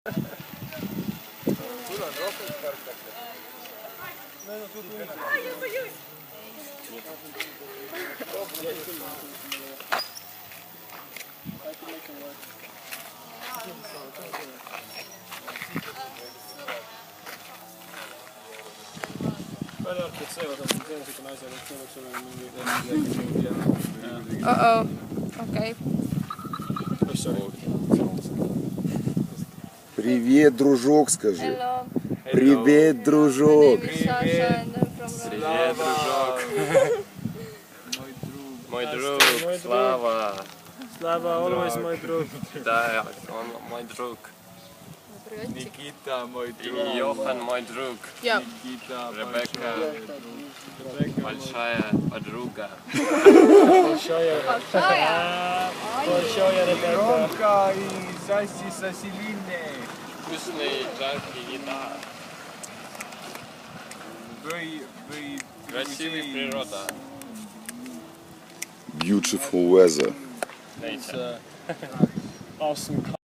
Я боюсь. Uh-oh. Okay. Привет, дружок, скажи. Hello. Привет, дружок. My name is Sasha and I'm from Romania. Привет, дружок. Мой друг, Слава. Slava, always my друг. Да, он мой друг. Никита, мой друг. И Йохан, мой друг. Yeah. Никита, Ребекка, большая подруга. большая Ребекка. Ромка и Заси со Селиной. Вкусный, жаркий еда. Вы Красивая природа. Beautiful weather. Nature. Awesome